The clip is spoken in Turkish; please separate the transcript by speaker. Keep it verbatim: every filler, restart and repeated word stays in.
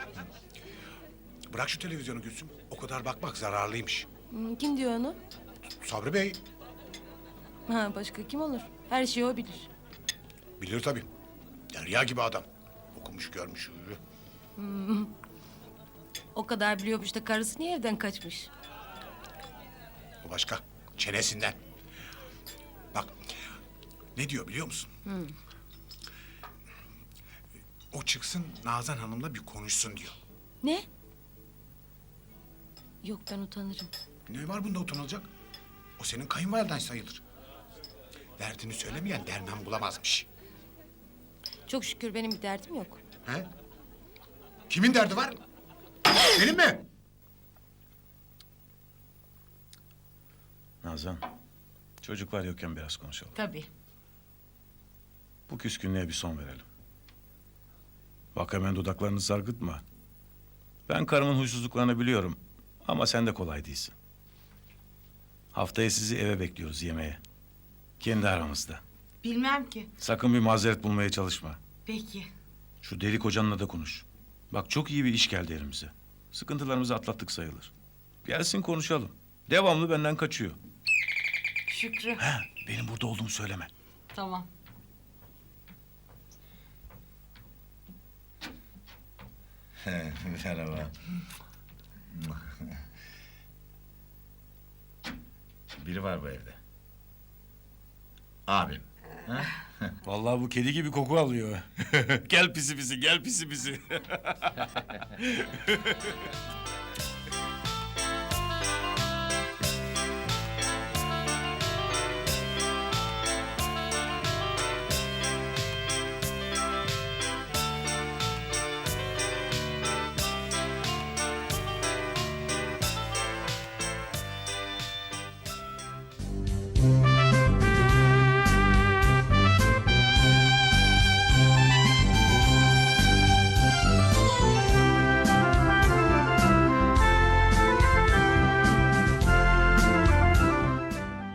Speaker 1: Bırak şu televizyonu Gülsüm. O kadar bakmak zararlıymış.
Speaker 2: Hmm, kim diyor onu?
Speaker 1: Sabri Bey
Speaker 2: Ha, başka kim olur? Her şeyi o bilir.
Speaker 1: bilir tabii. Derya gibi adam. Okumuş görmüş.
Speaker 2: O kadar biliyormuş da karısı niye evden kaçmış?
Speaker 1: O başka. Çenesinden. Bak ne diyor biliyor musun? O çıksın Nazan Hanım'la bir konuşsun diyor.
Speaker 2: Ne? Yok, ben utanırım.
Speaker 1: Ne var bunda utanılacak? O senin kayınvaliden sayılır. Derdini söylemeyen derman bulamazmış.
Speaker 2: Çok şükür benim bir derdim yok.
Speaker 1: He? Kimin derdi var? Senin mi?
Speaker 3: Nazan, çocuklar yokken biraz konuşalım.
Speaker 2: Tabii.
Speaker 3: Bu küskünlüğe bir son verelim. Bak hemen dudaklarını sargıtma. Ben karımın huysuzluklarını biliyorum. Ama sen de kolay değilsin. Haftaya sizi eve bekliyoruz yemeğe. Kendi aramızda.
Speaker 4: Bilmem ki.
Speaker 3: Sakın bir mazeret bulmaya çalışma.
Speaker 4: Peki.
Speaker 3: Şu deli kocanla da konuş. Bak çok iyi bir iş geldi elimize. Sıkıntılarımızı atlattık sayılır. Gelsin konuşalım. Devamlı benden kaçıyor.
Speaker 4: Şükrü.
Speaker 3: He, benim burada olduğumu söyleme.
Speaker 4: Tamam.
Speaker 5: Merhaba. Biri var bu evde. Abim. Ha?
Speaker 3: Vallahi bu kedi gibi koku alıyor. Gel pisi pisi, gel pisi pisi.